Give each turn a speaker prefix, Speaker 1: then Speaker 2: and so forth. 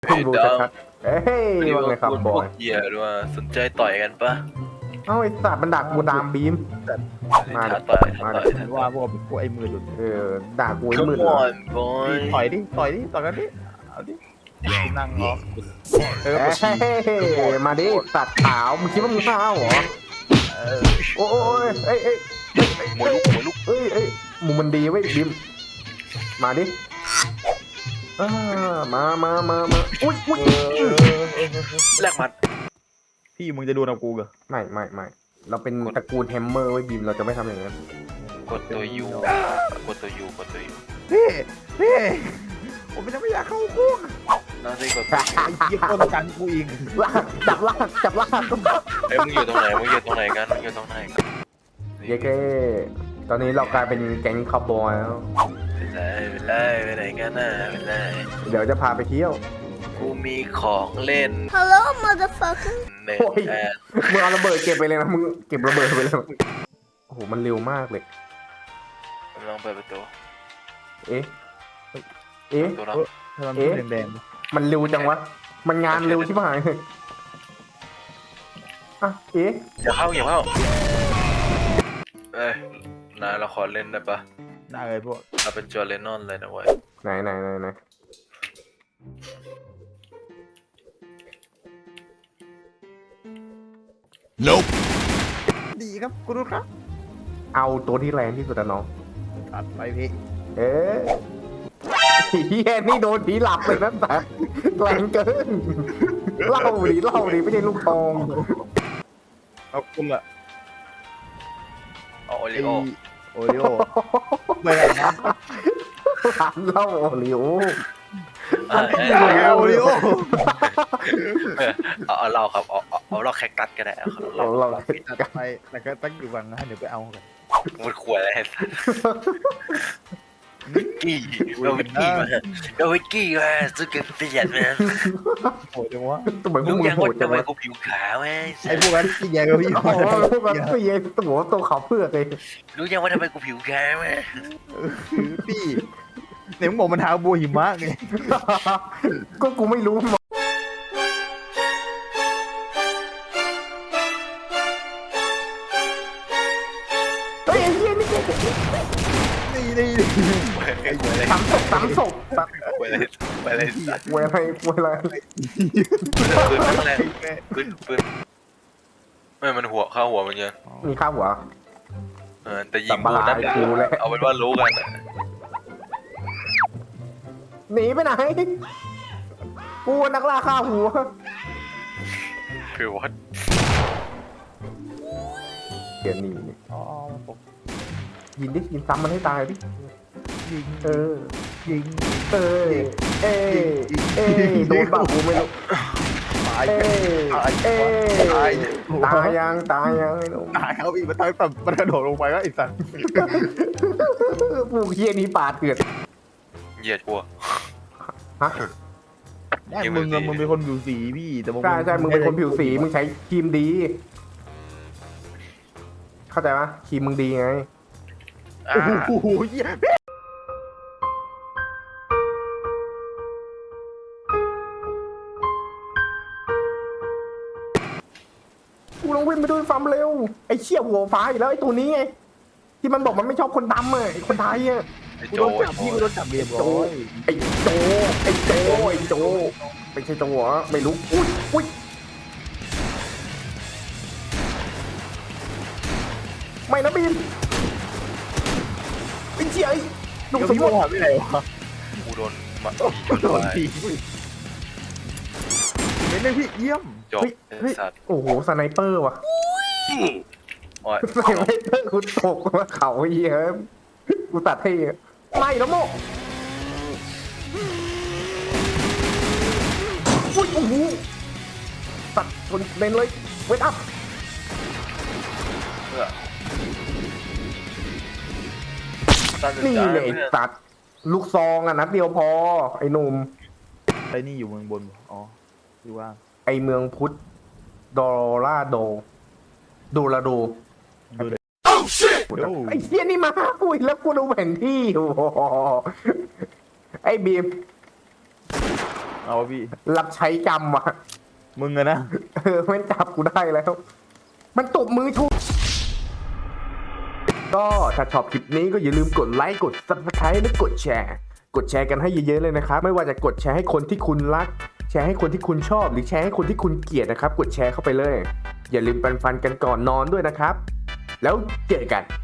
Speaker 1: เพิ่งรู้ชัดๆเฮ้ยว่าไงครับบอย
Speaker 2: เหี้ยด้วยสนใจต่อยกันปะ
Speaker 1: เอ้าไอ้สัตว์มันดักกูดามบีม มาดิ
Speaker 2: ท้าต่อย
Speaker 1: มา
Speaker 2: ท้า
Speaker 1: ดิ
Speaker 2: ต่อย
Speaker 3: ว่าพวกไอ้มือหลุด
Speaker 1: ด่ากูไอ้
Speaker 2: ข
Speaker 1: มืด
Speaker 2: ม
Speaker 1: เหรอ
Speaker 2: อนบอย
Speaker 3: ต่อยดิต่อยกันดิเอาดินั่งรอเออ
Speaker 1: เฮ้ยมาดิสัตว์ขาวมึงคิดว่ามึงข้าวเหรอโอ้ยเอ้ยเอ้ย
Speaker 2: มวยลุก
Speaker 1: เอ้ยมึงมันดีเว้ยบีมมาดิมาอุ้ย
Speaker 2: แลกหมัด
Speaker 3: พี่มึงจะดูนะกูเหรอ
Speaker 1: ไม่เราเป็นตระกูลแฮมเมอร์ไว้ยบีมเราจะไม่ทำอย่างนั้น
Speaker 2: กดตัวยูกดตัวยู
Speaker 3: พี่ผมยังไม่อยากเข้าคุก
Speaker 2: น่าจะกดตัว
Speaker 3: ไอ้เหี้ยคนกันกูอีก
Speaker 1: ลากจับลาก
Speaker 2: เอ้ยมึงอยู่ตรงไหนกันมึงอยู่ตรงไหนกัน
Speaker 1: เย้เก้ตอนนี้เรากลายเป็นแก๊งคาวบอยแล้ว
Speaker 2: ไปไหนกันน่ะไปไหน
Speaker 1: เดี๋ยวจะพาไปเที่ยว
Speaker 2: กูมีของเล่น
Speaker 4: Hello, motherfucker.
Speaker 2: หนึ่ง
Speaker 1: โอ้ย
Speaker 2: แอน
Speaker 1: มึงเอาระเบิดเก็บไปเลยนะมึงเก็บระเบิดไปเลยโอ้โหมันเร็วมากเลย
Speaker 2: ลองเปิดประตู
Speaker 1: เอ๊ะ
Speaker 2: ตัวรับ
Speaker 3: ทำไมมันแดง
Speaker 1: มันเร็วจังวะมันงานเร็วชิบหายเลยอ่ะ
Speaker 2: อย่าเข้าเอ้ยนายเราขอเล่นได้ปะ
Speaker 3: ๆได้เลยพวก
Speaker 2: เราเป็นจอร์เลนนอนเลยนะเว้ย
Speaker 1: ไหน
Speaker 3: ดีครับกูรู้ครับ
Speaker 1: เอาตัวที่แรงที่สุดนะน้อง
Speaker 3: ตัดไปพี่
Speaker 1: เอ๊ะเฮียนี่โดนผีหลับเลยนะแต่แรงเกินเล่าดิไม่ใช่ลูกทอง
Speaker 3: เอาคุณละ
Speaker 2: เอาโอ
Speaker 3: ไอ
Speaker 2: ริโอ
Speaker 3: โอริโอไปไหนนะ
Speaker 1: ร้านเหล้าโอริโอ
Speaker 3: โอริโอ
Speaker 2: เอาเราครับเอาเราแคคตัสก็ได้เอาเรา
Speaker 1: เรา
Speaker 3: ตัดไปแต่ก็ตั้งอยู่วังนะเดี๋ยวไปเอากัน
Speaker 2: มันขวดอะไรวิกกี้เอาวิกกี้มาสุดเกินเปลี่ยนนะ
Speaker 3: โหดจังวะ
Speaker 1: ทำไมพว
Speaker 2: รู้
Speaker 1: กมึง
Speaker 2: ยัง
Speaker 1: โห
Speaker 2: ว่า
Speaker 1: ดจั
Speaker 2: ทำ
Speaker 1: ง
Speaker 2: ไม
Speaker 1: วะ
Speaker 2: กูผิวขาวไหม
Speaker 3: ไอ้พวกนั้นที่แย่กับพี่
Speaker 1: โอ้โหพวกแบบเสียตัวขาวเพือกเลย
Speaker 2: รู้ยังว่าทำไมกูผิวขาวไหม
Speaker 3: พี่เนี่ยมึงบอกมันหาบัวหิมะไง
Speaker 1: ก็กูไม่รู้เฮ้ยไอ้เหี้ยนี่
Speaker 3: นี่
Speaker 1: สามศพ
Speaker 2: ไปเลย
Speaker 1: เวลา
Speaker 2: ปืนแรงปืนไม่มันหัวเข้าหัวมันเยอะ
Speaker 1: มีข้าวหัว
Speaker 2: แต่ยิงกูนั่นเอาเป็นว่ารู้กัน
Speaker 1: หนีไปไหนกูนักล่าข้าวหัว
Speaker 2: คือวัด
Speaker 1: เดี๋ยวหนี
Speaker 3: อ๋อ
Speaker 1: ยิงซ้ำมันให้ตายดิ
Speaker 3: ยิง
Speaker 1: เออ
Speaker 3: ยิง
Speaker 1: เโดนบ้ากูไม่รู้
Speaker 3: ตาย
Speaker 1: ตายยังไอ้หนุ่ม
Speaker 3: ตายเขาอีกมันตายแบบมันกระโดดลงไปแล้วไอ้สัตว์
Speaker 1: พวกเฮียนี้ปาดเถื่อน
Speaker 2: เหยียดกู
Speaker 1: ฮะ
Speaker 3: มึงเป็นคนผิวสีพี่แต่
Speaker 1: ใช่มึงเป็นคนผิวสีมึงใช้ครีมดี เข้าใจปะครีมมึงดีไง
Speaker 3: โอ้โหเหี้ย
Speaker 1: กูต้องวิ่งไปด้วยความเร็วไอ้เชี่ยหัวฟ้าอีกแล้วไอ้ตัวนี้ไงที่มันบอกมันไม่ชอบคนดำไอ้คนไทยอ่ะ
Speaker 3: กูโดนจับพี่กูโดนจับเรียบร้อย
Speaker 1: ไอ้โจไม่ใช่โจเหรอไม่รู้อุ้ยไม่นะบีมไอ้เชี่ยหนุ่ม
Speaker 3: เดี๋ยว
Speaker 1: สม
Speaker 3: พี่
Speaker 1: บู
Speaker 3: โม
Speaker 1: รณ์
Speaker 3: หะไม่ไหนวะ
Speaker 2: กูโดนมา
Speaker 3: โดนทีไม่ได้พี่เยี่ยม
Speaker 2: จบสัตว์
Speaker 1: โอ้โหสไนเปอร์ว่ะ
Speaker 2: โอ้ย
Speaker 1: สไนเปอร์กูตกมาเขาเหี้ยกูตัดให้ไม่แล้วโมอุ้ยโอ้โหตัดคนเล่นเลยเวทอัพนี่เลยตัดลูกซองอ่ะนัดเดียวพอไอ้หนุ่ม
Speaker 3: ไอ้นี่อยู่เมืองบนอ๋อดูว่า
Speaker 1: ไอ้เมืองพุทธโดราโดไอ้เหี้ยนี่มากูอีกแล้วกูดูแผนที่โอ้โหไอ้บีม
Speaker 3: อเอาพี่
Speaker 1: รับใช้กรรมอ่ะ
Speaker 3: มึงอะนะ
Speaker 1: มันจับกูได้แล้ว มันตบมือชูก็ถ้าชอบคลิปนี้ก็อย่าลืมกดไลค์กด subscribe และกดแชร์ กดแชร์กันให้เยอะๆเลยนะครับไม่ว่าจะกดแชร์ให้คนที่คุณรัก แชร์ให้คนที่คุณชอบหรือแชร์ให้คนที่คุณเกลียดนะครับกดแชร์เข้าไปเลย อย่าลืมแปรงฟันกันก่อนนอนด้วยนะครับ แล้วเจอกัน